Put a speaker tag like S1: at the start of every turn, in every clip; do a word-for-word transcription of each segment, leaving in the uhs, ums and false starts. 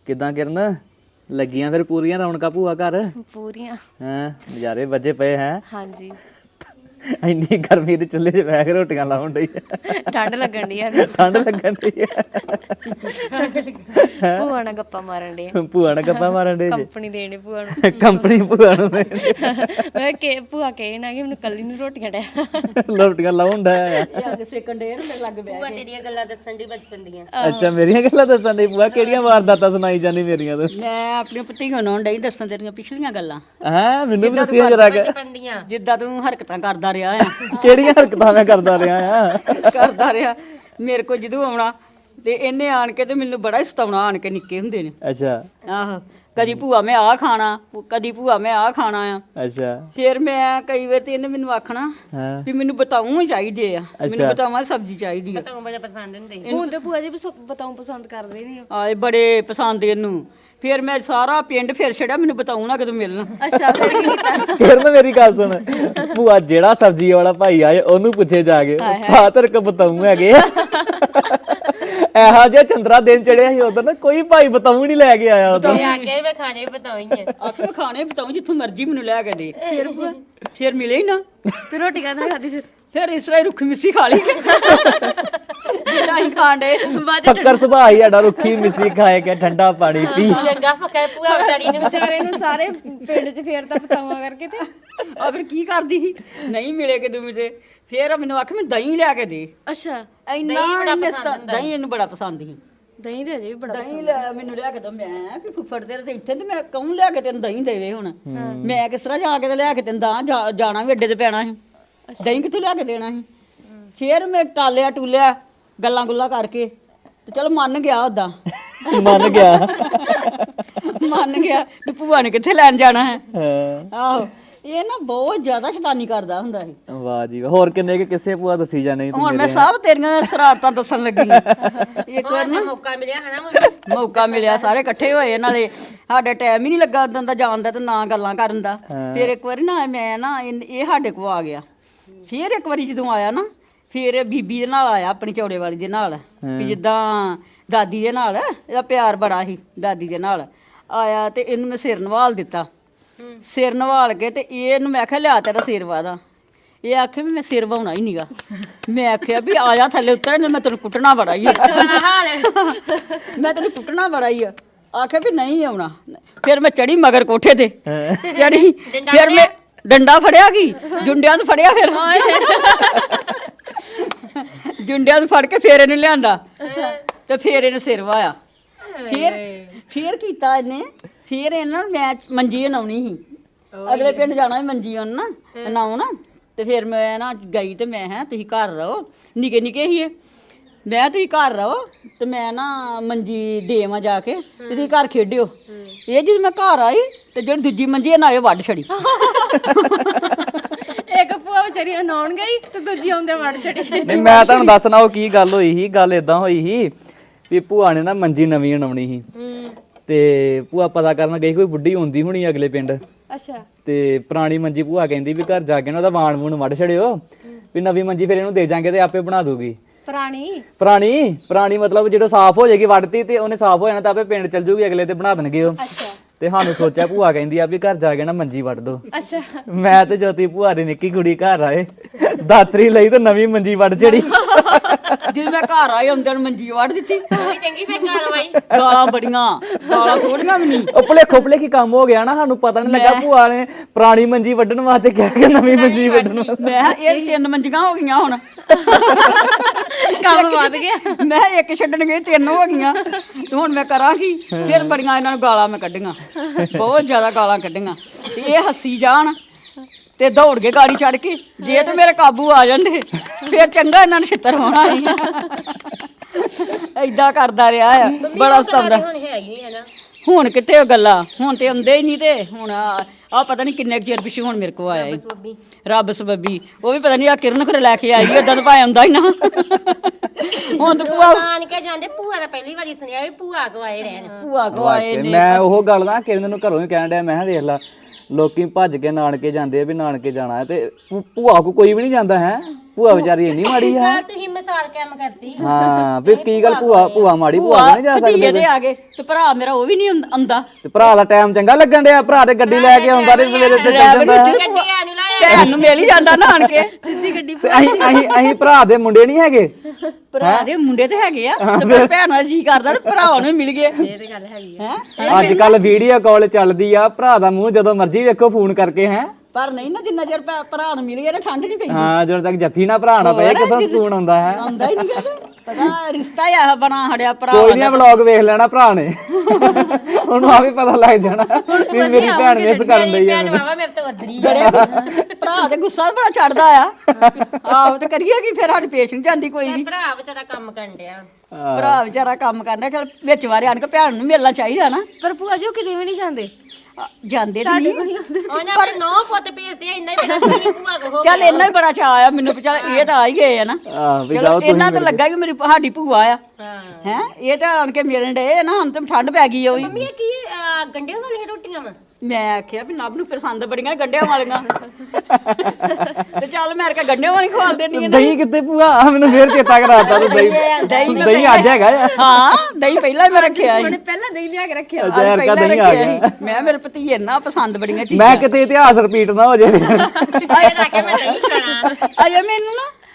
S1: ਕਿਦਾਂ ਕਿਰਨ ਲੱਗੀਆਂ ਫਿਰ ਪੂਰੀਆਂ ਰੌਣਕਾਂ ਭੂਆ ਘਰ?
S2: ਪੂਰੀਆਂ।
S1: ਹਾਂ ਨਜ਼ਾਰੇ ਵੱਜੇ ਪਏ ਹੈ।
S2: ਹਾਂਜੀ
S1: ਇੰਨੀ ਗਰਮੀ ਦੇ ਚੁੱਲ੍ਹੇ 'ਚ ਬਹਿ ਕੇ ਰੋਟੀਆਂ ਲਾਉਣ ਡਈ
S2: ਠੰਡ ਲੱਗਣ ਦੀ ਸਾਨੂੰ।
S1: ਠੰਡ ਲੱਗਣ ਡਈ
S2: ਭੂਆ ਨਾਲ ਗੱਪਾਂ ਮਾਰਨ ਡੇ
S1: ਭੂਆ ਨਾਲ ਗੱਪਾਂ ਮਾਰਨ ਡੇ ਜੇ
S2: ਕੰਪਨੀ ਦੇਣੀ ਭੂਆ ਨੂੰ।
S1: ਕੰਪਨੀ ਭੂਆ ਨੂੰ ਦੇ
S2: ਮੈਂ ਕਿ ਭੂਆ ਕਹੇ ਨਾ ਕਿ ਮੈਨੂੰ ਕੱਲੀ ਨੂੰ ਰੋਟੀਆਂ ਡਿਆ
S1: ਰੋਟੀਆਂ ਲਾਉਣ ਡਿਆ ਆ।
S3: ਯਾਦ ਸੇਕਣ ਡੇ ਮੇਰੇ ਲੱਗ ਬੈ
S4: ਭੂਆ ਤੇਰੀਆਂ ਗੱਲਾਂ ਦੱਸਣ ਦੀ ਬਚਪਨ ਦੀਆਂ।
S1: ਅੱਛਾ ਮੇਰੀਆਂ ਗੱਲਾਂ ਦੱਸਣ ਡਈ ਭੂਆ? ਕਿਹੜੀਆਂ ਵਾਰਦਾਤਾਂ ਸੁਣਾਈ ਜਾਂਦੀ ਮੇਰੀਆਂ ਤੋਂ?
S3: ਮੈਂ ਆਪਣੀਆਂ ਭਤੀਆਂ ਨੂੰ ਡਈ ਦੱਸਣ ਤੇਰੀਆਂ ਪਿਛਲੀਆਂ ਗੱਲਾਂ
S1: ਹਾਂ ਮੈਨੂੰ ਵੀ ਦੱਸਿਆ ਜਰਾ ਕਿ
S4: ਬਚਪਨ ਦੀਆਂ
S3: ਜਿੱਦਾਂ ਤੂੰ ਹਰਕਤਾਂ ਕਰਦਾ ਰਿਹਾ ਆ
S1: ਕਿਹੜੀਆਂ ਹਰਕਤਾਂ ਮੈਂ ਕਰਦਾ ਰਿਹਾ ਆ?
S3: ਕਰਦਾ ਰਿਹਾ ਮੇਰੇ ਕੋਲ ਜਦੋਂ ਆਉਣਾ ਤੇ ਇਹਨੇ ਆਣ ਕੇ ਤੇ ਮੈਨੂੰ ਬੜਾ ਹੀ ਸਤਾਉਣਾ ਆਣ ਕੇ ਨਿੱਕੇ ਹੁੰਦੇ ਨੇ।
S1: ਅੱਛਾ
S3: ਆਹੋ ਕਦੀ ਭੂਆ ਮੈਂ ਆਹ ਖਾਣਾ ਕਦੀ ਭੂਆ ਮੈਂ ਆਹ ਖਾਣਾ ਆ।
S1: ਅੱਛਾ
S3: ਫਿਰ ਮੈਂ ਕਈ ਵਾਰ ਤੇ ਇਹਨੇ ਮੈਨੂੰ ਆਖਣਾ
S1: ਹਾਂ
S3: ਵੀ ਮੈਨੂੰ ਬਤਾਉਂ ਚਾਹੀਦੇ ਆ ਮੈਨੂੰ ਬਤਾਵਾਂ ਸਬਜ਼ੀ ਚਾਹੀਦੀ ਆ।
S4: ਤਾਂ ਬੜਾ ਪਸੰਦ ਹੁੰਦੇ
S2: ਹੁਣ ਤੇ ਭੂਆ ਜੀ ਬਤਾਉਂ ਪਸੰਦ ਕਰਦੇ ਨਹੀਂ।
S3: ਆਏ ਬੜੇ ਪਸੰਦ ਇਹਨੂੰ। ਫਿਰ ਮੈਂ ਸਾਰਾ ਪਿੰਡ ਫਿਰ ਛੜਿਆ ਮੈਨੂੰ ਬਤਾਉਂ ਨਾ ਕਦੋਂ ਮਿਲਣਾ।
S2: ਅੱਛਾ ਫਿਰ ਕੀ ਕੀਤਾ?
S1: ਫਿਰ ਨਾ ਮੇਰੀ ਗੱਲ ਸੁਣ ਭੂਆ ਜਿਹੜਾ ਸਬਜ਼ੀ ਵਾਲਾ ਭਾਈ ਆਏ ਉਹਨੂੰ ਪੁੱਛੇ ਜਾ ਕੇ ਫਾਦਰ ਕ ਬਤਾਉਂ ਹੈਗੇ ਇਹੋ ਜਿਹਾ ਚੰਦਰਾ ਦਿਨ ਚੜਿਆ ਸੀ ਉਧਰ ਨਾ ਕੋਈ ਭਾਈ ਬਤਾਉਂ ਨਹੀਂ ਲੈ ਕੇ ਆਇਆ ਉਧਰ।
S4: ਆ ਕੇ ਮੈਂ ਖਾਣੇ ਬਤਾਉਈ ਆ
S3: ਆਖੇ ਮੈਂ ਖਾਣੇ ਬਤਾਉਂ ਜਿੱਥੋਂ ਮਰਜ਼ੀ ਮੈਨੂੰ ਲੈ ਕੇ ਦੇ। ਫਿਰ ਫਿਰ ਮਿਲੇ ਹੀ ਨਾ।
S2: ਤੇ ਰੋਟੀ ਕਾਹਦਾ ਖਾਦੀ ਫਿਰ?
S3: ਫਿਰ ਇਸ ਤਰ੍ਹਾਂ ਹੀ ਰੁੱਖੀ ਮਿੱਸੀ ਖਾ ਲਈ ਜਿੱਦਾਂ ਹੀ ਖਾਂਡੇ।
S1: ਫੱਕਰ ਸੁਭਾਅ ਹੀ ਸਾਡਾ ਰੁੱਖੀ ਮਿੱਸੀ ਖਾਏ ਕੇ ਠੰਡਾ ਪਾਣੀ ਪੀ।
S4: ਚੰਗਾ ਫੱਕਾ ਭੂਆ ਵਿਚਾਰੀ ਨੂੰ
S2: ਵਿਚਾਰੇ ਨੂੰ ਸਾਰੇ ਪਿੰਡ 'ਚ ਫੇਰਦਾ ਬਤਾਵਾਂ ਕਰਕੇ ਤੇ।
S3: ਆ ਫਿਰ ਕੀ ਕਰਦੀ ਸੀ ਨਹੀਂ ਮਿਲੇ ਕਿ ਦੂਮੀ ਤੇ ਫਿਰ ਮੈਨੂੰ ਆਖੇ ਮੈਂ ਦਹੀਂ ਲਿਆ ਕੇ ਦੇ।
S2: ਅੱਛਾ
S3: ਇੰਨਾ ਇਹਨੇ ਸਤਾ- ਦਹੀਂ ਇਹਨੂੰ ਬੜਾ ਪਸੰਦ ਸੀ।
S2: ਦਹੀਂ ਤੇ ਅਜੇ ਵੀ ਬੜਾ
S3: ਦਹੀਂ ਲੈ ਮੈਨੂੰ ਲਿਆ ਕੇ ਦੋ। ਮੈਂ ਵੀ ਫੁੱਫੜ ਤੇਰੇ ਤੇ ਇੱਥੇ ਤੇ ਮੈਂ ਕਹੂੰ ਲਿਆ ਕੇ ਤੈਨੂੰ ਦਹੀਂ ਦੇਵੇ ਹੁਣ। ਮੈਂ ਕਿਸ ਤਰ੍ਹਾਂ ਜਾ ਕੇ ਤੇ ਲਿਆ ਕੇ ਤੈਨੂੰ ਦਾਂ ਜਾ- ਜਾਣਾ ਵੀ ਅੱਡੇ ਤੇ ਪੈਣਾ ਸੀ। ਦਹੀਂ ਕਿੱਥੋਂ ਲਿਆ ਕੇ ਦੇਣਾ ਸੀ? ਫਿਰ ਮੈਂ ਟਾਲਿਆ ਟੂਲਿਆ ਗੱਲਾਂ ਗੁੱਲਾਂ ਕਰਕੇ ਤੇ ਚਲ ਮੰਨ ਗਿਆ ਉਦਾਂ
S1: ਮੰਨ ਗਿਆ
S3: ਮੰਨ ਗਿਆ ਤੇ ਭੂਆ ਨੇ ਕਿੱਥੇ ਲੈਣ ਜਾਣਾ ਹੈ।
S1: ਹਾਂ
S3: ਆਹੋ ਇਹ ਨਾ ਬਹੁਤ ਜ਼ਿਆਦਾ ਸ਼ੈਤਾਨੀ ਕਰਦਾ ਹੁੰਦਾ ਸੀ।
S1: ਵਾਹ ਜੀ ਵਾਹ। ਹੋਰ ਕਿੰਨੇ ਕਿ ਕਿਸੇ ਭੂਆ ਦੱਸੀ ਜਾਣੇ ਤੂੰ?
S3: ਹੁਣ ਮੈਂ ਸਭ ਤੇਰੀਆਂ ਸ਼ਰਾਰਤਾਂ ਦੱਸਣ ਲੱਗੀ ਹਾਂ। ਇੱਕ ਵਾਰ ਨਾ
S4: ਮੌਕਾ ਮਿਲਿਆ ਹਨਾ ਮੰਮੀ?
S3: ਮੌਕਾ ਮਿਲਿਆ ਸਾਰੇ ਇਕੱਠੇ ਹੋਏ ਨਾਲੇ ਸਾਡਾ ਟਾਈਮ ਹੀ ਨਹੀਂ ਲੱਗਾ ਉਦੋਂ ਦਾ ਜਾਣ ਦਾ ਤੇ ਨਾ ਗੱਲਾਂ ਕਰਨ ਦਾ। ਫਿਰ ਇੱਕ ਵਾਰੀ ਨਾ ਮੈਂ ਨਾ ਇਹ ਇਹ ਸਾਡੇ ਕੋਲ ਆ ਗਿਆ। ਫਿਰ ਇੱਕ ਵਾਰੀ ਜਦੋਂ ਆਇਆ ਨਾ ਫਿਰ ਬੀਬੀ ਦੇ ਨਾਲ ਆਇਆ ਆਪਣੀ ਚੌੜੇ ਵਾਲੀ ਦੇ ਨਾਲ ਵੀ ਜਿੱਦਾਂ ਦਾਦੀ ਦੇ ਨਾਲ ਇਹਦਾ ਪਿਆਰ ਬੜਾ ਸੀ ਦਾਦੀ ਦੇ ਨਾਲ ਆਇਆ ਤੇ ਇਹਨੂੰ ਮੈਂ ਸਿਰ ਨਵਾਲ ਦਿੱਤਾ। ਸਿਰ ਨਵਾਲ ਕੇ ਤੇ ਇਹਨੂੰ ਮੈਂ ਆਖਿਆ ਲਿਆ ਤੇਰਾ ਸਿਰ ਵਾਦਾ। ਇਹ ਆਖੇ ਵੀ ਮੈਂ ਸਿਰ ਵਾਉਣਾ ਹੀ ਨਹੀਂਗਾ। ਮੈਂ ਆਖਿਆ ਵੀ ਆ ਜਾ ਥੱਲੇ ਉਤਰ ਮੈਂ ਤੈਨੂੰ ਕੁੱਟਣਾ ਬੜਾ ਹੀ ਆ ਮੈਂ ਤੈਨੂੰ ਕੁੱਟਣਾ ਬੜਾ ਹੀ ਆ। ਆਖਿਆ ਵੀ ਨਹੀਂ ਆਉਣਾ। ਫਿਰ ਮੈਂ ਚੜੀ ਮਗਰ ਕੋਠੇ ਤੇ ਚੜੀ ਫਿਰ ਮੈਂ ਡੰਡਾ ਫੜਿਆ ਕੀ ਜੁੰਡਿਆਂ ਨੂੰ ਫੜਿਆ ਫਿਰ ਜੁੰਡਿਆਂ ਨੂੰ ਫੜ ਕੇ ਫੇਰ ਇਹਨੂੰ ਲਿਆਂਦਾ ਤੇ ਫੇਰ ਇਹਨੇ ਸਿਰ ਵਾਇਆ। ਫਿਰ ਫਿਰ ਕੀਤਾ ਇਹਨੇ ਫਿਰ ਇਹਨਾਂ ਨੂੰ ਮੈਂ ਮੰਜੀ ਬਣਾਉਣੀ ਸੀ। ਅਗਲੇ ਪਿੰਡ ਜਾਣਾ ਸੀ ਮੰਜੀ ਉਹਨ ਨਾ ਬਣਾਉਣ ਤੇ ਫਿਰ ਮੈਂ ਨਾ ਗਈ ਤੇ ਮੈਂ ਹੈ ਤੁਸੀਂ ਘਰ ਰਹੋ ਨਿੱਕੇ ਨਿੱਕੇ ਹੀ ਮੈਂ ਤੁਸੀਂ ਘਰ ਰਹੋ ਤੇ ਮੈਂ ਨਾ ਮੰਜੀ ਦੇਵਾਂ ਜਾ ਕੇ ਤੇ ਤੁਸੀਂ ਘਰ ਖੇਡਿਓ। ਇਹ ਜਦੋਂ ਮੈਂ ਘਰ ਆਈ ਤੇ ਜਿਹੜੀ ਦੂਜੀ ਮੰਜੀ ਇਹਨਾਂ ਇਹ ਵੱਢ ਛੜੀ।
S2: ਇੱਕ ਭੂਆ ਵਿਚਾਰੀ ਨਹਾਉਣ ਗਈ ਤੇ ਦੂਜੀ ਆਉਂਦੇ ਵੜ ਛੜੀ।
S1: ਨਹੀਂ ਮੈਂ ਤੁਹਾਨੂੰ ਦੱਸਣਾ ਉਹ ਕੀ ਗੱਲ ਹੋਈ ਸੀ। ਗੱਲ ਇਦਾਂ ਹੋਈ ਸੀ ਵੀ ਭੂਆ ਨੇ ਨਾ ਮੰਜੀ ਨਵੀਂ ਬਣਾਉਣੀ ਸੀ ਤੇ ਭੂਆ ਪਤਾ ਕਰਨ ਗਈ ਕੋਈ ਬੁੱਢੀ ਹੁੰਦੀ ਹੋਣੀ ਅਗਲੇ ਪਿੰਡ।
S2: ਅੱਛਾ
S1: ਤੇ ਪੁਰਾਣੀ ਮੰਜੀ ਭੂਆ ਕਹਿੰਦੀ ਵੀ ਘਰ ਜਾ ਕੇ ਨਾ ਉਹਦਾ ਵਾਣ ਵੂਣ ਵੱਢ ਛੜਿਓ ਵੀ ਨਵੀਂ ਮੰਜੀ ਫਿਰ ਇਹਨੂੰ ਦੇ ਜਾਾਂਗੇ ਤੇ ਆਪੇ ਬਣਾ ਦੂਗੀ।
S2: ਪੁਰਾਣੀ
S1: ਪੁਰਾਣੀ ਪੁਰਾਣੀ ਮਤਲਬ ਜਦੋਂ ਸਾਫ਼ ਹੋ ਜਾਏਗੀ ਵੱਢਤੀ ਤੇ ਉਹਨੇ ਸਾਫ਼ ਹੋ ਜਾਣਾ ਤਾਂ ਆਪੇ ਪਿੰਡ ਚੱਲ ਜੂਗੀ ਅਗਲੇ ਤੇ ਬਣਾ ਦੇਣਗੇ ਉਹ। ਤੇ ਸਾਨੂੰ ਸੋਚਿਆ ਭੂਆ ਕਹਿੰਦੀ ਆ ਵੀ ਘਰ ਜਾ ਕੇ ਨਾ ਮੰਜੀ ਵੱਢ ਦੋ।
S2: ਅੱਛਾ
S1: ਮੈਂ ਤੇ ਜੋਤੀ ਭੂਆ ਦੀ ਨਿੱਕੀ ਕੁੜੀ ਘਰ ਆਏ ਦਾਤਰੀ ਲਈ ਤੇ ਨਵੀਂ ਮੰਜੀ ਵੱਢ ਛੜੀ।
S3: ਜਦੋਂ ਮੈਂ ਘਰ ਆਏ ਹੁੰਦਿਆਂ ਨੂੰ ਮੰਜੀ ਵੱਢ ਦਿੱਤੀ।
S4: ਵੀ ਚੰਗੀ ਫੇਰ ਗਾਲ ਵਾਈ
S3: ਗਾਲਾਂ ਬੜੀਆਂ ਗਾਲਾਂ ਥੋੜੀਆਂ ਵੀ ਨਹੀਂ।
S1: ਉਹ ਭੁਲੇਖੋ ਭੁਲੇਖੀ ਕੰਮ ਹੋ ਗਿਆ ਨਾ ਸਾਨੂੰ ਪਤਾ ਨਹੀਂ ਲੱਗਾ ਭੂਆ ਨੇ ਪੁਰਾਣੀ ਮੰਜੀ ਵੱਢਣ ਵਾਸਤੇ ਕਿਹਾ ਕਿ ਨਵੀਂ ਮੰਜੀ ਵੱਢਣ ਵਾਸਤੇ।
S3: ਮੈਂ ਕਿਹਾ ਇਹ ਤਿੰਨ ਮੰਜੀਆਂ ਹੋ ਗਈਆਂ ਹੁਣ
S2: ਕੰਮ ਵੱਧ ਗਿਆ।
S3: ਮੈਂ ਕਿਹਾ ਇੱਕ ਛੱਡਣ ਗਈ ਤਿੰਨ ਹੋ ਗਈਆਂ ਤੇ ਹੁਣ ਮੈਂ ਕਰਾਂਗੀ। ਫਿਰ ਬੜੀਆਂ ਇਹਨਾਂ ਨੂੰ ਗਾਲਾਂ ਮੈਂ ਕੱਢੀਆਂ ਬਹੁਤ ਜ਼ਿਆਦਾ ਗਾਲਾਂ ਕੱਢੀਆਂ ਤੇ ਇਹ ਹੱਸੀ ਜਾਣ ਤੇ ਦੌੜ ਕੇ ਗਾੜੀ ਚੜ ਕੇ ਜੇ ਤੇ ਮੇਰੇ ਕਾਬੂ ਆ ਜਾਂਦੇ ਫਿਰ ਚੰਗਾ ਇਹਨਾਂ ਨੂੰ ਛਿੱਤਰ ਹੋਣਾ ਸੀ। ਏਦਾਂ ਕਰਦਾ ਰਿਹਾ ਆ ਬੜਾ ਸਤਾਉਂਦਾ।
S4: ਹੁਣ ਹੈ ਹੀ ਨਹੀਂ ਹਨਾ
S3: ਹੁਣ ਕਿੱਥੇ ਉਹ ਗੱਲਾਂ ਹੁਣ ਤੇ ਆਉਂਦੇ ਹੀ ਨਹੀਂ ਤੇ ਹੁਣ ਆ ਪਤਾ ਨਹੀਂ ਕਿੰਨੇ ਕੁ ਚਿਰ ਪਿੱਛੇ ਹੁਣ ਮੇਰੇ ਕੋ ਆਇਆ ਸੀ ਰੱਬ ਸਬੱਬੀ। ਉਹ ਵੀ ਪਤਾ ਨਹੀਂ ਆ ਕਿਰਨ ਘਰੇ ਲੈ ਕੇ ਆਈ ਏਦਾਂ ਤਾਂ ਭਾਵੇਂ ਆਉਂਦਾ ਹੀ ਨਾ। ਹੁਣ ਤੇ ਭੂਆ
S4: ਆਣ ਕੇ ਜਾਂਦੇ ਭੂਆ ਦਾ ਪਹਿਲੀ ਵਾਰੀ ਸੁਣਿਆ ਵੀ ਭੂਆ ਕੋ ਆਏ ਰਹਿਣ।
S3: ਭੂਆ ਕੋ ਆਏ ਨੇ।
S1: ਮੈਂ ਉਹ ਗੱਲ ਨਾ ਕਿਰਨ ਨੂੰ ਘਰੋਂ ਹੀ ਕਹਿਣ ਡਿਆ ਮੈਂ ਕਿਹਾ ਵੇਖ ਲਾ ਲੋਕੀ ਭੱਜ ਕੇ ਨਾਨਕੇ ਜਾਂਦੇ ਆ ਵੀ ਨਾਨਕੇ ਜਾਣਾ ਹੈ ਤੇ ਭੂਆ ਕੋ ਕੋਈ ਵੀ ਨਹੀਂ ਜਾਂਦਾ ਹੈ। ਭੂਆ ਵਿਚਾਰੀ ਇੰਨੀ ਮਾੜੀ ਆ
S4: ਚੱਲ ਤੁਸੀਂ ਮਿਸਾਲ ਕਾਇਮ ਕਰਤੀ
S1: ਹਾਂ ਵੀ ਕੀ ਗੱਲ ਭੂਆ ਭੂਆ ਮਾੜੀ ਭੂਆ
S3: ਭੂਆ
S1: ਨਹੀਂ ਜਾ
S3: ਭਤੀਜੇ
S1: ਸਕਦੇ
S3: ਦੇ ਆ ਗਏ ਤੇ ਭਰਾ ਮੇਰਾ ਉਹ ਵੀ ਨਹੀਂ ਆਉਂਦਾ
S1: ਤੇ ਭਰਾ ਦਾ ਟਾਈਮ ਚੰਗਾ ਲੱਗਣ ਡਿਆ ਭਰਾ ਤੇ ਗੱਡੀ ਲੈ ਕੇ ਆਉਂਦਾ ਤੇ ਸਵੇਰੇ ਤੇ ਚੱਲ ਜਾਂਦਾ
S4: ਗੱਡੀ ਆ ਨੂੰ ਲਾਇਆ
S3: ਭੈਣ ਨੂੰ ਮਿਲ ਹੀ ਜਾਂਦਾ ਨਾਨ ਕੇ
S2: ਸਿੱਧੀ ਗੱਡੀ
S1: ਤੇ ਅਸੀਂ ਅਸੀਂ ਅਸੀਂ ਭਰਾ ਦੇ ਮੁੰਡੇ ਨਹੀਂ ਹੈਗੇ
S3: ਭਰਾ ਦੇ ਮੁੰਡੇ ਤੇ ਹੈਗੇ ਆ ਤੇ ਪਰ ਭੈਣਾਂ ਦਾ ਜੀ ਕਰਦਾ ਨਾ ਭਰਾਵਾਂ ਨੂੰ ਮਿਲ ਗਏ
S2: ਇਹ ਤੇ ਗੱਲ ਹੈਗੀ ਆ
S3: ਹੈ
S1: ਅੱਜ ਕੱਲ ਵੀਡੀਓ ਕਾਲ ਚੱਲਦੀ ਆ ਭਰਾ ਦਾ ਮੂੰਹ ਜਦੋਂ ਮਰਜ਼ੀ ਵੇਖੋ ਫੋਨ ਕਰਕੇ ਹੈ
S3: ਪਰ ਨਹੀਂ ਨਾ ਜਿੰਨਾ ਚਿਰ ਭੈ- ਭਰਾ ਨੂੰ ਮਿਲ ਗਏ ਨਾ ਠੰਡ ਨਹੀਂ ਪੈਂਦੀ
S1: ਹਾਂ ਜਦੋਂ ਤੱਕ ਜੱਫੀ ਨਾ ਭਰਾ ਨਾ ਪਏ ਕਿਥੋਂ ਸਕੂਨ ਆਉਂਦਾ ਹੈ
S3: ਆਉਂਦਾ ਹੀ ਨਹੀਂ ਪਤਾ ਰਿਸ਼ਤਾ ਹੀ ਆ ਬਣਾ ਹੜਿਆ ਭਰਾ
S1: ਕੋਈ ਨਹੀਂ ਵਲੌਗ ਵੇਖ ਲੈਣਾ ਭਰਾ ਨੇ ਉਹਨੂੰ ਆ ਵੀ ਪਤਾ ਲੱਗ ਜਾਣਾ ਵੀ ਮੇਰੀ ਭੈਣ ਮਿਸ ਕਰਨ ਡਈ ਆ
S4: ਭੈਣ ਵਾਵਾ ਮੇਰੇ ਤੋਂ ਅਦਰੀ
S3: ਬੜੇ ਭਰਾ ਤੇ ਗੁੱਸਾ ਬੜਾ ਚੜਦਾ ਆ ਆਹੋ ਤੇ ਕਰੀਏ ਕੀ ਫਿਰ ਸਾਡੀ ਪੇਸ਼ ਨਹੀਂ ਜਾਂਦੀ ਕੋਈ ਵੀ
S4: ਭਰਾ ਵਿਚਾਰਾ ਕੰਮ ਕਰਨ ਡਿਆ
S3: ਭਰਾ ਵਿਚਾਰਾ ਕੰਮ ਕਰਦਾ ਚਲ ਵਿੱਚ ਵਾਰੇ ਆਣ ਕੇ ਭੈਣ ਨੂੰ ਮਿਲਣਾ ਚਾਹੀਦਾ ਨਾ
S2: ਪਰ ਭੂਆ ਜੀ ਉਹ ਕਿਤੇ ਵੀ ਨਹੀਂ ਜਾਂਦੇ
S3: ਆ, ਜਾਂਦੇ ਤਾਂ ਨਹੀਂ
S4: ਉਹਨੇ ਆਪਣੇ ਨੌ ਪੁੱਤ ਭੇਜਦੇ ਆ ਇੰਨਾ ਹੀ ਬੜਾ ਤੁਸੀਂ ਭੂਆ ਕੋ ਹੋ
S3: ਚੱਲ ਇੰਨਾ ਹੀ ਬੜਾ ਚਾਅ ਆ ਮੈਨੂੰ ਵੀ ਚੱਲ ਇਹ ਤਾਂ ਆ ਹੀ ਗਏ ਆ ਨਾ
S1: ਆਹ ਵੀ
S3: ਚਲੋ
S1: ਜਾਓ
S3: ਇਹਨਾਂ ਤਾਂ ਲੱਗਾ ਕਿ ਮੇਰੀ ਸਾਡੀ ਭੂਆ ਆ
S4: ਹਾਂ
S3: ਹੈ ਇਹ ਤਾਂ ਆਣ ਕੇ ਮਿਲਣ ਡਏ ਨਾ ਹੁਣ ਤਾਂ ਠੰਡ ਪੈ ਗਈ ਹੋਈ
S4: ਮੰਮੀ ਇਹ ਕੀ ਅਹ, ਗੰਢਿਆਂ ਵਾਲੀਆਂ ਰੋਟੀਆਂ ਵਾ
S3: ਮੈਂ ਆਖਿਆ ਵੀ ਨੱਬ ਨੂੰ ਪਸੰਦ ਬੜੀਆਂ ਗੰਢਿਆਂ ਵਾਲੀਆਂ ਤੇ ਚੱਲ ਮੈਂ ਕਿਹਾ ਗੰਢਿਆਂ ਵਾਲੀ ਖਵਾਲ ਦੇਣੀ
S1: ਦਹੀਂ ਕਿੱਥੇ ਭੂਆ ਆਹ ਮੈਨੂੰ ਫੇਰ ਚੇਤਾ ਕਰਾਤਾ ਤੂੰ ਦਹੀਂ
S3: ਦਹੀਂ ਮੈਂ
S1: ਦਹੀਂ ਅੱਜ ਹੈਗਾ ਆ
S3: ਹਾਂ ਦਹੀਂ ਪਹਿਲਾਂ ਹੀ ਮੈਂ ਰੱਖਿਆ ਸੀ
S2: ਉਹਨੇ ਪਹਿਲਾਂ ਨਹੀਂ ਲਿਆ ਕੇ ਰੱਖਿਆ
S3: ਅੱਜ
S1: ਜ਼ਹਿਰ ਕਾ
S3: ਪਹਿਲਾਂ
S1: ਦਹੀਂ ਆ
S3: ਰੱਖਿਆ
S1: ਗਿਆ
S3: ਸੀ ਮੈਂ ਮੇਰੇ ਭਤੀਜੇ ਨਾ ਪਸੰਦ ਬੜੀਆਂ ਚੀਜ਼ਾਂ
S1: ਮੈਂ ਕਿਤੇ ਇਤਿਹਾਸ ਰਿਪੀਟ ਨਾ ਹੋ ਜਾਵੇ
S4: ਇਹ ਨਾ ਕਿ ਮੈਂ ਨਹੀਂ ਖਾਣਾ
S3: ਅਜੇ ਮੈਨੂੰ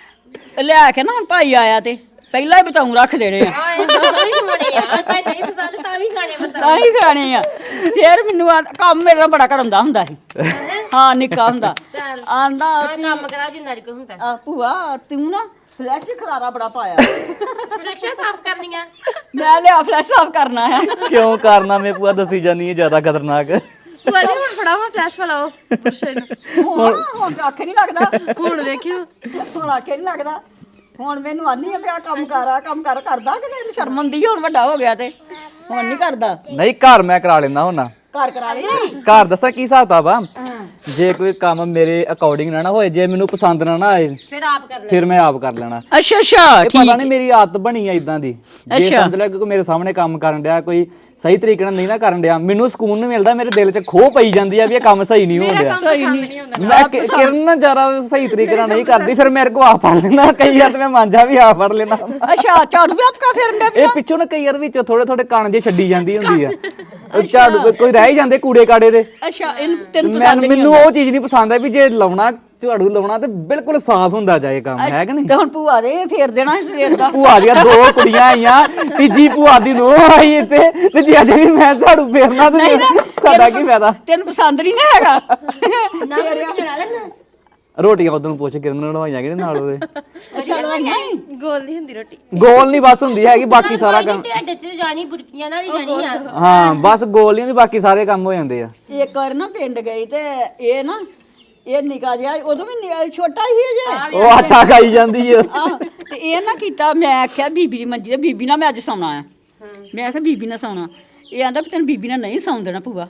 S3: ਨਾ ਲਿਆ ਕੇ ਨਾ ਹੁਣ ਭਾਈ ਆਇਆ ਤੇ ਪਹਿਲਾਂ ਹੀ ਬਤਾਉਂ ਰੱਖ ਦੇਣੇ ਆ
S4: ਆਏ ਨਹੀਂ ਖਾਣੇ ਯਾਰ ਭਾਈ ਨਹੀਂ ਪਸੰਦ ਤਾਂ ਵੀ ਖਾਣੇ ਬਤਾ
S3: ਤਾਂ ਹੀ ਖਾਣੇ ਆ ਫੇਰ ਮੈਨੂੰ ਆ- ਕੰਮ ਮੇਰਾ ਬੜਾ ਕਰਾਉਂਦਾ ਹੁੰਦਾ ਸੀ ਹਾਂ ਨਿੱਕਾ ਹੁੰਦਾ
S4: ਚੱਲ
S3: ਆਂਦਾ
S4: ਆਹ ਕੰਮ ਕਰਾ ਜਿੰਨਾ ਕੁ ਹੁੰਦਾ
S3: ਆ ਭੂਆ ਤੂੰ ਨਾ ਫਲੈਸ਼ ਚ ਖਲਾਰਾ ਬੜਾ ਪਾਇਆ
S4: ਫਲਸ਼ਾਂ ਸਾਫ਼ ਕਰਨੀਆਂ
S3: ਮੈਂ ਲਿਆ ਫਲੈਸ਼ ਸਾਫ ਕਰਨਾ ਹੈ
S1: ਕਿਉਂ ਕਾਰਨਾਮੇ ਭੂਆ ਦੱਸੀ ਜਾਨੀ ਹੈ ਜ਼ਿਆਦਾ ਖਤਰਨਾਕ
S2: ਭੂਆ ਜੀ ਹੁਣ ਫੜਾਵਾ ਫਲੈਸ਼ ਵਾਲਾ ਉਹ ਪੁਰਸ਼ੇ ਨੂੰ
S3: ਹੁਣ ਹੁਣ ਤਾਂ ਆਖੇ ਨਹੀਂ ਲੱਗਦਾ
S2: ਹੁਣ ਵੇਖਿਓ
S3: ਹੁਣ ਆਖੇ ਨਹੀਂ ਲੱਗਦਾ ਹੁਣ ਮੈਨੂੰ ਆਨੀ ਆ ਪਿਆ ਕੰਮ ਕਰ ਆ ਕੰਮ ਕਰ ਕਰਦਾ ਕਿ ਤੈਨੂੰ ਸ਼ਰਮ ਆਉਂਦੀ ਆ, ਹੁਣ ਵੱਡਾ ਹੋ ਗਿਆ ਤੇ ਹੁਣ ਨਹੀਂ ਕਰਦਾ
S1: ਨਹੀਂ ਘਰ ਮੈਂ ਕਰਾ ਲੈਂਦਾ ਹੁੰਨਾ
S3: ਘਰ ਕਰਾ ਲਈ
S1: ਘਰ ਦੱਸਾਂ ਕੀ ਹਿਸਾਬ ਕਿਤਾਬ ਆ ਜੇ ਕੋਈ ਕੰਮ ਮੇਰੇ ਅਕੋਰਡਿੰਗ ਨਾ ਨਾ ਹੋਏ ਜੇ ਮੈਨੂੰ ਪਸੰਦ ਨਾ ਨਾ ਆਏ
S4: ਫਿਰ ਆਪ ਕਰ ਲੈ
S1: ਫਿਰ ਮੈਂ ਆਪ ਕਰ ਲੈਣਾ
S3: ਅੱਛਾ ਅੱਛਾ
S1: ਇਹ ਪਤਾ ਨਹੀਂ ਮੇਰੀ ਆਦਤ ਬਣੀ ਆ ਇਦਾਂ ਦੀ ਜੇ ਸਮਝ ਲੈ ਕਿ ਕੋਈ ਮੇਰੇ ਸਾਹਮਣੇ ਕੰਮ ਕਰਨ ਡਿਆ ਕੋਈ ਸਹੀ ਤਰੀਕੇ ਨਾਲ ਨਹੀਂ ਨਾ ਕਰਨ ਡਿਆ ਮੈਨੂੰ ਸਕੂਨ ਨਹੀਂ ਮਿਲਦਾ ਮੇਰੇ ਦਿਲ 'ਚ ਖੋਹ ਪਈ ਜਾਂਦੀ ਆ ਵੀ ਇਹ ਕੰਮ ਸਹੀ ਨਹੀਂ ਹੋ ਰਿਹਾ
S3: ਸਹੀ ਨਹੀਂ
S1: ਮੈਂ ਕਿ- ਕਿਰਨ ਜਰਾ ਸਹੀ ਤਰੀਕੇ ਨਾਲ ਨਹੀਂ ਕਰਦੀ ਫਿਰ ਮੇਰੇ ਕੋ ਆ ਫੜ ਲੈਂਦਾ ਕਈ ਵਾਰ ਤੇ ਮੈਂ ਮਾਂਜਾ ਵੀ ਆ ਫੜ ਲੈਂਦਾ
S3: ਅੱਛਾ ਝਾੜੂ ਵੀ ਆਪਕਾ ਫੇਰਨ ਦੇ
S1: ਇਹ ਪਿੱਛੋਂ ਨਾ ਕਈ ਵਾਰ ਵਿੱਚ ਥੋੜੇ ਥੋੜੇ ਕਣ ਜੇ ਛੱਡੀ ਜਾਂਦੀ ਹੁੰਦੀ ਆ ਉਹ ਝਾੜੂ ਕੋਈ- ਕੋਈ ਰਹਿ ਹੀ ਜਾਂਦੇ ਕੂੜੇ ਕਾੜੇ ਦੇ
S3: ਅੱਛਾ ਇਹਨੂੰ ਤੈਨੂੰ
S1: ਮੈਂ
S3: ਪਸੰਦ ਨਹੀਂ
S1: ਮੈਨੂੰ ਉਹ ਚੀਜ਼ ਨਹੀਂ ਪਸੰਦ ਆ ਵੀ ਜੇ ਲਾਉਣਾ ਝਾੜੂ ਲਾਉਣਾ ਤੇ ਬਿਲਕੁਲ ਸਾਫ਼ ਹੁੰਦਾ ਜਾਏ ਕੰਮ ਹੈ ਕਿ ਨਹੀਂ
S3: ਤੇ ਹੁਣ ਭੂਆ ਦੇ ਫੇਰ ਦੇਣਾ ਸੀ ਸਵੇਰ ਦਾ
S1: ਭੂਆ ਦੀਆਂ ਦੋ ਕੁੜੀਆਂ ਆਈਆਂ ਤੀਜੀ ਭੂਆ ਦੀ ਨੂੰ ਆਈ ਇੱਥੇ ਤੇ ਜੇ ਅੱਜ ਵੀ ਮੈਂ ਝਾੜੂ ਫੇਰਨਾ ਤੇ ਤੁਹਾਡਾ ਕੀ ਫਾਇਦਾ
S3: ਤੈਨੂੰ ਪਸੰਦ ਨਹੀਂ ਨਾ ਹੈਗਾ
S4: ਨਾ ਰੋਟੀ ਲਾ ਲੈਣਾ
S1: ਰੋਟੀਆਂ ਉਦੋਂ ਪੁੱਛ ਕਿਰਨ ਨੂੰ ਨਵਾਈਆਂ ਕਿਹਦੇ ਨਾਲ ਉਹਦੇ
S3: ਅੱਛਾ ਨਹੀਂ
S2: ਗੋਲ ਨਹੀਂ ਹੁੰਦੀ ਰੋਟੀ
S1: ਗੋਲ ਨਹੀਂ ਬਸ ਹੁੰਦੀ ਹੈਗੀ ਬਾਕੀ ਸਾਰਾ ਕੰਮ
S4: ਢਿੱਡ 'ਚ ਜਾਣੀ ਬੁਰਕੀਆਂ ਨਾਲ ਹੀ ਜਾਣੀ ਆ
S1: ਹਾਂ ਬਸ ਗੋਲ ਨਹੀਂ ਹੁੰਦੀ ਬਾਕੀ ਸਾਰੇ ਕੰਮ ਹੋ ਜਾਂਦੇ ਆ
S3: ਇੱਕ ਵਾਰ ਨਾ ਪਿੰਡ ਗਈ ਤੇ ਇਹ ਨਾ ਇਹ ਨਿਕਾ ਜਿਹਾ ਉਦੋਂ ਵੀ ਨਿ- ਛੋਟਾ ਹੀ ਜੇ
S1: ਉਹ ਆਟਾ ਖਾਈ ਜਾਂਦੀ ਆ
S3: ਆਹ, ਤੇ ਇਹ ਨਾ ਕੀਤਾ ਮੈਂ ਆਖਿਆ ਬੀਬੀ ਦੀ ਮੰਜੀ ਤੇ ਬੀਬੀ ਨਾਲ ਮੈਂ ਅੱਜ ਸੌਣਾ ਆ ਮੈਂ ਆਖਿਆ ਬੀਬੀ ਨਾਲ ਸੌਣਾ ਇਹ ਆਂਦਾ ਵੀ ਤੈਨੂੰ ਬੀਬੀ ਨਾਲ ਨਹੀਂ ਸੌਣ ਦੇਣਾ ਭੂਆ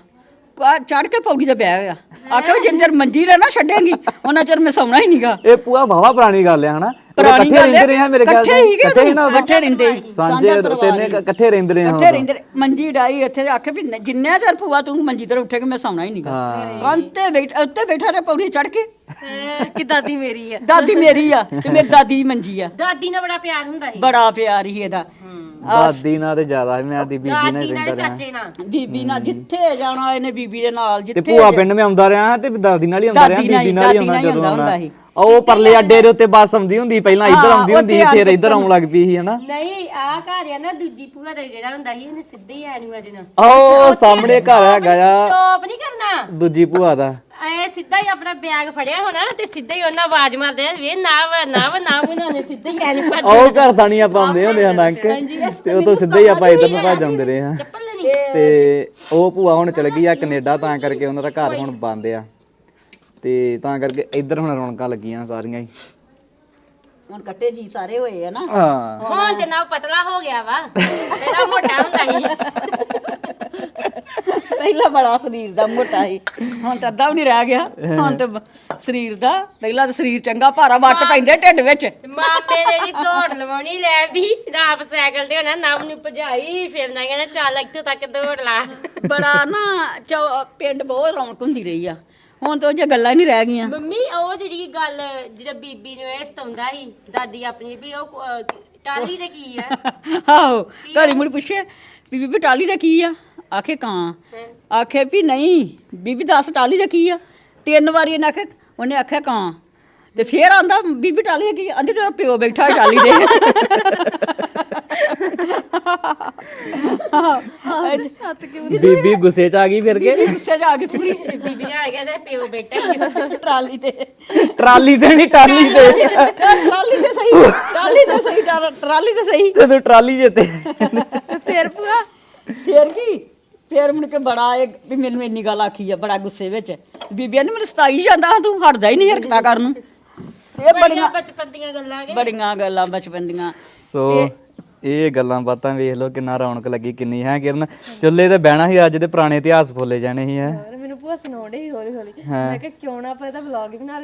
S3: ਚੜ ਕੇ ਪੌੜੀ ਤੇ ਬਹਿ ਗਿਆ ਆਖਿਆ ਵੀ ਜਿੰਨੇ ਚਿਰ ਮੰਜੀ ਰਹਿ ਨਾ ਛੱਡੇਂਗੀ ਉਹਨਾਂ ਚਿਰ ਮੈਂ ਸੌਣਾ ਹੀ ਨਹੀਂਗਾ
S1: ਇਹ ਪੂਆ ਵਾਵਾ ਪੁਰਾਣੀ ਗੱਲ ਆ ਹਨਾ
S3: ਪੁਰਾਣੀ
S1: ਇਕੱਠੇ
S3: ਗੱਲ
S1: ਰਹਿੰਦੇ ਰਹੇ ਆ ਮੇਰੇ ਖਿਆਲ
S3: ਇਕੱਠੇ ਹੀ
S1: ਇਕੱਠੇ ਹੀ ਨਾ ਉਦੋਂ?
S3: ਇਕੱਠੇ ਰਹਿੰਦੇ ਸੀ।
S1: ਸਾਂਝੇ ਤਿੰਨੇ ਇਕੱਠੇ ਰਹਿੰਦੇ ਰਹੇ ਆ
S3: ਇਕੱਠੇ ਰਹਿੰਦੇ ਰਹੇ। ਮੰਜੀ ਡਾਈ ਇੱਥੇ ਤੇ ਆਖੇ ਵੀ ਨ- ਜਿੰਨੇ ਚਿਰ ਭੂਆ ਤੂੰ ਮੰਜੀ ਤੇ ਉੱਠੇ ਕਿ ਮੈਂ ਸੌਣਾ ਹੀ ਨਹੀਂਗਾ
S1: ਹਾਂ
S3: ਕੰਤੇ ਬੈਠ ਉੱਤੇ ਬੈਠਾ ਰਿਹਾ ਪੌੜੀ ਚੜ ਕੇ
S2: ਕਿ ਦਾਦੀ ਮੇਰੀ ਆ
S3: ਦਾਦੀ ਮੇਰੀ ਆ ਤੇ ਮੇਰੀ ਦਾਦੀ ਦੀ ਮੰਜੀ ਆ
S4: ਦਾਦੀ ਨਾਲ ਬੜਾ ਪਿਆਰ ਹੁੰਦਾ ਸੀ
S3: ਬੜਾ ਪਿਆਰ ਹੀ ਇਹਦਾ
S1: ਦਾਦੀ ਨਾਲ ਤੇ ਜ਼ਿਆਦਾ ਸੀ, ਮੈਂ ਦੀ ਬੀਬੀ ਨਾਲ
S4: ਦਾਦੀ
S1: ਹੀ
S4: ਨਾਲ
S1: ਰਹਿੰਦਾ ਰਿਹਾ
S4: ਚਾਚੇ ਨਾਲ
S3: ਬੀਬੀ ਨਾਲ ਜਿੱਥੇ ਜਾਣਾ ਇਹਨੇ ਬੀਬੀ ਦੇ ਨਾਲ
S1: ਤੇ
S3: ਜਿੱਥੇ
S1: ਭੂਆ ਪਿੰਡ ਮੈਂ ਆਉਂਦਾ ਰਿਹਾ ਤੇ ਦਾਦੀ ਨਾਲ ਹੀ ਆਉਂਦਾ ਰਿਹਾ
S3: ਦਾਦੀ ਨਾਲ
S1: ਬੀਬੀ
S3: ਹੀ-
S1: ਨਾਲ ਹੀ
S3: ਦਾਦੀ ਨਾਲ ਹੀ
S1: ਆਉਂਦਾ ਜਦੋਂ
S3: ਆਉਂਦਾ
S1: ਆਉਣਾ
S3: ਸੀ।
S1: ਉਹ ਪਰਲੇ ਅੱਡੇ ਦੇ ਉੱਤੇ ਬੱਸ ਆਉਂਦੀ ਹੁੰਦੀ ਪਹਿਲਾਂ ਇੱਧਰ
S3: ਹਾਂ,
S1: ਆਉਂਦੀ ਹੁੰਦੀ ਸੀ,
S3: ਉੱਥੇ
S1: ਫਿਰ ਇੱਧਰ ਆਉਣ ਲੱਗ ਪਈ ਸੀ ਹਨਾ
S4: ਨਹੀਂ ਆ ਘਰ ਆ ਨਾ ਦੂਜੀ ਭੂਆ ਦਾ ਜਿਹੜਾ ਹੁੰਦਾ ਸੀ ਇਹਨੇ ਸਿੱਧੇ ਹੀ ਆਣੂ ਅਜ ਨਾ
S1: ਉਹ ਸਾਹਮਣੇ ਘਰ ਹੈਗਾ ਆ
S4: ਸਟਾਪ ਨਹੀਂ ਕਰਨਾ
S1: ਦੂਜੀ ਭੂਆ ਦਾ
S4: ਐ ਸਿੱਧਾ ਹੀ ਆਪਣਾ ਬੈਗ ਫੜਿਆ ਹੋਣਾ ਤੇ ਸਿੱਧਾ ਹੀ ਉਹਨਾਂ ਆਵਾਜ਼ ਮਾਰਦੇ ਆ ਵੇ ਨਾਵ ਨਾਵ ਨਾਵ ਉਹਨਾਂ ਨੇ ਸਿੱਧਾ ਹੀ ਐਨ ਭੱਜ
S1: ਉਹ ਘਰ ਤਾਂ ਨਹੀਂ ਆਪਾਂ ਆਉਂਦੇ ਹੁੰਦੇ ਆ ਨੰਕ ਤੇ ਉਹ ਤੋਂ ਸਿੱਧੇ ਹੀ ਆਪਾਂ ਇੱਧਰ ਨੂੰ ਭੱਜ ਜਾਂਦੇ ਰਹੇ ਹਾਂ
S4: ਚੱਪਲ ਲੈਣੀ
S1: ਤੇ ਉਹ ਭੂਆ ਹੁਣ ਚਲ ਗਈ ਆ ਕੈਨੇਡਾ ਤਾਂ ਕਰਕੇ ਉਹਨਾਂ ਦਾ ਘਰ ਹੁਣ ਬੰਦ ਆ ਤੇ ਤਾਂ ਕਰਕੇ ਇੱਧਰ ਹੁਣ ਰੌਣਕਾਂ ਲੱਗੀਆਂ ਸਾਰੀਆਂ ਹੀ
S3: ਹੁਣ ਕੱਟੇ ਜੀ ਸਾਰੇ ਹੋਏ ਆ ਨਾ
S1: ਹਾਂ
S4: ਹੁਣ ਤੇ ਨਾ ਪਤਲਾ ਹੋ ਗਿਆ ਵਾ ਪਹਿਲਾਂ ਮੋਟਾ ਹੁੰਦਾ ਸੀ
S3: ਪਹਿਲਾਂ ਬੜਾ ਸਰੀਰ ਦਾ ਮੋਟਾ ਸੀ ਹੁਣ ਤਾਂ ਅੱਧਾ ਵੀ ਨਹੀਂ ਰਹਿ ਗਿਆ ਹੁਣ ਤੇ ਬ- ਸਰੀਰ ਦਾ ਪਹਿਲਾਂ ਤਾਂ ਸਰੀਰ ਚੰਗਾ ਭਾਰਾ ਵੱਟ ਪੈਂਦੇ ਢਿੱਡ ਵਿੱਚ
S4: ਮਾਪੇ ਨੇ ਜੀ ਦੌੜ ਲਵਾਉਣੀ ਲੈ ਵੀ ਆਪ ਸਾਈਕਲ ਤੇ ਹੋਣਾ ਨਵ ਨੂੰ ਭਜਾਈ ਫਿਰ ਨਾ ਕਹਿੰਦਾ ਚੱਲ ਇੱਥੋਂ ਤੱਕ ਦੌੜ ਲਾ
S3: ਬੜਾ ਨਾ ਚੌ- ਪਿੰਡ ਬਹੁਤ ਰੌਣਕ ਹੁੰਦੀ ਰਹੀ ਆ ਹੁਣ ਤਾਂ ਉਹ ਜੇ ਗੱਲਾਂ ਹੀ ਨਹੀਂ ਰਹਿ ਗਈਆਂ।
S4: ਮੰਮੀ ਉਹ ਜਿਹੜੀ ਗੱਲ ਜਿਹੜਾ ਬੀਬੀ ਨੂੰ ਇਹ ਸਤਾਉਂਦਾ ਸੀ ਦਾਦੀ ਆਪਣੀ ਵੀ ਉਹ ਅਹ, ਟਾਲੀ ਦੇ ਕੀ ਆ
S3: ਆਹੋ ਘੜੀ ਮੁੜ ਪੁੱਛੇ ਵੀ ਬੀਬੀ ਟਾਲੀ ਦਾ ਕੀ ਆ, ਆਖੇ ਕਾਂ, ਆਖੇ ਵੀ ਨਹੀਂ ਬੀਬੀ ਦੱਸ ਟਾਲੀ ਦਾ ਕੀ ਆ। ਤਿੰਨ ਵਾਰੀ ਇਹਨੇ ਆਖਿਆ, ਉਹਨੇ ਆਖਿਆ ਕਾਂ, ਤੇ ਫੇਰ ਆਂਦਾ ਬੀਬੀ ਟਾਲੀ ਦਾ ਕੀ ਆ, ਆਂਦੀ ਤੇਰਾ ਪਿਓ ਬੈਠਾ ਹੈ ਟਾਲੀ ਦੇ।
S1: ਬੀਬੀ ਗੁੱਸੇ ਚ ਆ ਗਈ ਫਿਰ ਕੇ
S3: ਗੁੱਸੇ ਚ ਆ ਕੇ ਪੂਰੀ
S4: ਬੀਬੀ ਨੇ ਆ ਗਿਆ ਤੇ ਪਿਓ ਬੈਠਾ ਹੀ
S3: ਟਰਾਲੀ ਤੇ,
S1: ਟਰਾਲੀ ਤੇ ਨਹੀਂ ਟਾਲੀ ਤੇ
S3: ਟਰਾਲੀ ਤੇ ਸਹੀ, ਟਰਾਲੀ ਤੇ ਸਹੀ, ਟਰਾ- ਟਰਾਲੀ ਤੇ ਸਹੀ।
S1: ਤੇ ਤੂੰ ਟਰਾਲੀ ਜਿੱਤੇ
S3: ਫੇਰ ਭੂਆ ਫੇਰ ਕੀ, ਫੇਰ ਮੁੜ ਕੇ ਬੜਾ ਇਹ ਵੀ ਮੈਨੂੰ ਇੰਨੀ ਗੱਲ ਆਖੀ ਆ ਬੜਾ ਗੁੱਸੇ ਵਿੱਚ। ਬੀਬੀਆਂ ਨੇ ਮੈਨੂੰ ਸਤਾਈ ਜਾਂਦਾ, ਤੂੰ ਹਟਦਾ ਹੀ ਨਹੀਂ ਹਰਕਤਾਂ ਕਰਨ ਨੂੰ। ਇਹ ਬੜੀਆਂ
S4: ਬਚਪਨ ਦੀਆਂ ਗੱਲਾਂ ਕੇ
S3: ਬੜੀਆਂ ਗੱਲਾਂ ਬਚਪਨ ਦੀਆਂ।
S1: ਸੋ ਇਹ ਗੱਲਾਂ ਬਾਤਾਂ ਵੇਖ ਲਓ ਕਿੰਨਾ ਰੌਣਕ ਲੱਗੀ ਕਿੰਨੀ ਹੈ ਕਿਰਨ। ਚੁੱਲ੍ਹੇ ਤੇ ਬਹਿਣਾ ਸੀ, ਅੱਜ ਦੇ ਪੁਰਾਣੇ ਇਤਿਹਾਸ ਭੁੱਲੇ ਜਾਣੇ ਸੀ ਹੈ।
S2: ਹੋਰ ਮੈਨੂੰ ਭੂਆ ਸੁਣਾਉਂਦੇ ਸੀ ਹੌਲੀ ਹੌਲੀ। ਮੈਂ ਕਿਹਾ ਕਿਉਂ ਨਾ ਆਪਾਂ ਇਹਦਾ ਵਲੌਗ ਹੀ ਬਣਾ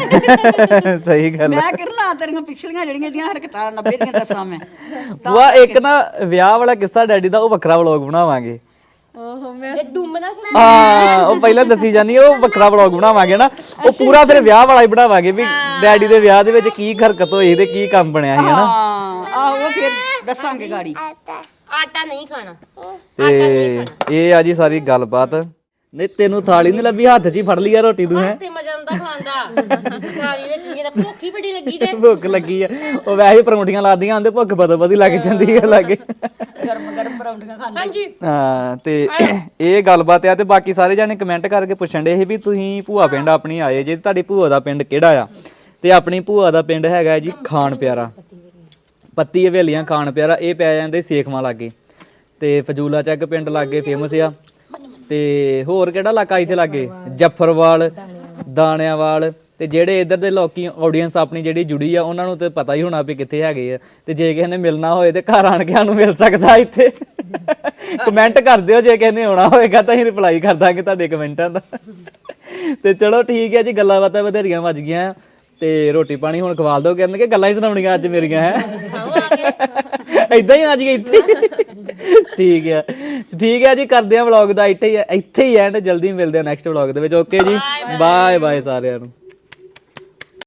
S2: ਲਈਏ।
S1: ਸਹੀ ਗੱਲ
S3: ਮੈਂ ਕਿਰਨਾ ਤੇਰੀਆਂ ਪਿਛਲੀਆਂ ਜਿਹੜੀਆਂ ਜਿਹੜੀਆਂ ਹਰਕਤਾਂ ਨੱਬੇ ਦੀਆਂ ਦੱਸਾਂ ਮੈਂ।
S1: ਵਾ ਇੱਕ ਨਾ ਵਿਆਹ ਵਾਲਾ ਕਿੱਸਾ ਡੈਡੀ ਦਾ, ਉਹ ਵੱਖਰਾ ਵਲੌਗ ਬਣਾਵਾਂਗੇ।
S2: ਓਹੋ ਮੈਂ
S4: ਇਹ ਡੁੰਮਣਾ ਸੁਣ
S1: ਹਾਂ ਉਹ ਪਹਿਲਾਂ ਦੱਸੀ ਜਾਂਦੀ ਆ, ਉਹ ਵੱਖਰਾ ਵਲੌਗ ਬਣਾਵਾਂਗੇ ਨਾ, ਉਹ ਪੂਰਾ ਫਿਰ ਵਿਆਹ ਵਾਲਾ ਹੀ ਬਣਾਵਾਂਗੇ ਵੀ ਡੈਡੀ ਦੇ ਵਿਆਹ ਦੇ ਵਿੱਚ ਕੀ ਹਰਕਤ ਹੋਈ ਤੇ ਕੀ ਕੰਮ ਬਣਿਆ ਸੀ ਹਨਾ।
S3: ਹਾਂ ਆਹੋ ਫਿਰ ਦੱਸਾਂਗੇ ਗਾੜੀ।
S4: ਆਟਾ ਨਹੀਂ ਖਾਣਾ
S1: ਤੇ ਇਹ ਆ ਜੀ ਸਾਰੀ ਗੱਲਬਾਤ। ਨਹੀਂ ਤੈਨੂੰ ਥਾਲੀ ਨਹੀਂ ਲੱਭੀ, ਹੱਥ 'ਚ ਹੀ ਫੜ ਲਈ ਆ ਰੋਟੀ ਤੂੰ ਹੈ।
S4: ਤੇ ਮਜ਼ਾ ਆਉਂਦਾ ਖਾਂਦਾ ਥਾਲੀ ਵਿੱਚ ਕੀ ਦਾ ਭੁੱਖ ਹੀ ਬੜੀ ਲੱਗੀ ਤੇ
S1: ਭੁੱਖ ਲੱਗੀ ਆ, ਉਹ ਵੈਸੇ ਪਰੌਂਠੀਆਂ ਲਾਦੀਆਂ ਹੁੰਦੇ, ਭੁੱਖ ਬਦੋ ਬਦੀ ਲੱਗ ਜਾਂਦੀ ਹੈ ਲਾਗੇ।
S3: ਗਰਮ ਗਰਮ ਪਰੌਂਠੀਆਂ ਖਾਂਦੇ।
S4: ਹਾਂਜੀ
S1: ਹਾਂ ਤੇ ਇਹ ਗੱਲਬਾਤ ਆ। ਤੇ ਬਾਕੀ ਸਾਰੇ ਜਾਣੇ ਕਮੈਂਟ ਕਰਕੇ ਪੁੱਛਣ ਦੇ ਸੀ ਵੀ ਤੁਸੀਂ ਭੂਆ ਪਿੰਡ ਆਪਣੀ ਆਏ ਜੇ, ਤੁਹਾਡੀ ਭੂਆ ਦਾ ਪਿੰਡ ਕਿਹੜਾ ਆ? ਤੇ ਆਪਣੀ ਭੂਆ ਦਾ ਪਿੰਡ ਹੈਗਾ ਜੀ ਖਾਨ ਪਿਆਰਾ, ਪੱਤੀ ਹਵੇਲੀਆਂ ਖਾਨ ਪਿਆਰਾ। ਇਹ ਪੈ ਜਾਂਦੇ ਸੇਖਵਾਂ ਲਾਗੇ, ਤੇ ਫਜੂਲਾ ਚੱਕ ਪਿੰਡ ਲਾਗੇ ਫੇਮਸ ਆ। ਤੇ ਹੋਰ ਕਿਹੜਾ ਇਲਾਕਾ ਇੱਥੇ ਲਾਗੇ? ਜੱਫਰਵਾਲ, ਦਾਣਿਆਵਾਲ। ਤੇ ਜਿਹੜੇ ਇੱਧਰ ਦੇ ਲੋਕੀ ਆਡੀਅנס ਆਪਣੀ ਜਿਹੜੀ ਜੁੜੀ ਆ, ਉਹਨਾਂ ਨੂੰ ਤੇ ਪਤਾ ਹੀ ਹੋਣਾ ਵੀ ਕਿੱਥੇ ਹੈਗੇ ਆ। ਤੇ ਜੇ ਕਿਸੇ ਨੇ ਮਿਲਣਾ ਹੋਏ ਤੇ ਘਰ ਆਣ ਕੇ ਸਾਨੂੰ ਮਿਲ ਸਕਦਾ ਇੱਥੇ। ਕਮੈਂਟ ਕਰ ਦਿਓ ਜੇ ਕਿਸੇ ਨੇ ਆਉਣਾ ਹੋਏਗਾ ਤਾਂ ਅਸੀਂ ਰਿਪਲਾਈ ਕਰ ਦਾਂਗੇ ਤੁਹਾਡੇ ਕਮੈਂਟਾਂ ਦਾ। ਤੇ ਚਲੋ ਠੀਕ ਹੈ ਜੀ, ਗੱਲਾਂ ਬਾਤਾਂ ਵਧੇਰੀਆਂ ਵੱਜ ਗਈਆਂ ਤੇ ਰੋਟੀ ਪਾਣੀ ਹੁਣ ਖਵਾਲ ਦੋ ਕਰਨ ਕੇ ਗੱਲਾਂ ਹੀ ਸੁਣਾਉਣੀਆਂ ਅੱਜ ਮੇਰੀਆਂ ਹੈ। ਏਦਾਂ ਹੀ ਆ ਜੀ ਇੱਥੇ। ਠੀਕ ਹੈ ਠੀਕ ਹੈ ਜੀ, ਕਰਦੇ ਆ ਵਲੌਗ ਦਾ ਇੱਥੇ ਹੀ ਇੱਥੇ ਹੀ ਐਂਡ। ਜਲਦੀ ਮਿਲਦੇ ਆ ਨੈਕਸਟ ਵਲੌਗ ਦੇ ਵਿੱਚ। ਓਕੇ ਜੀ, ਬਾਏ ਬਾਏ ਸਾਰਿਆਂ ਨੂੰ।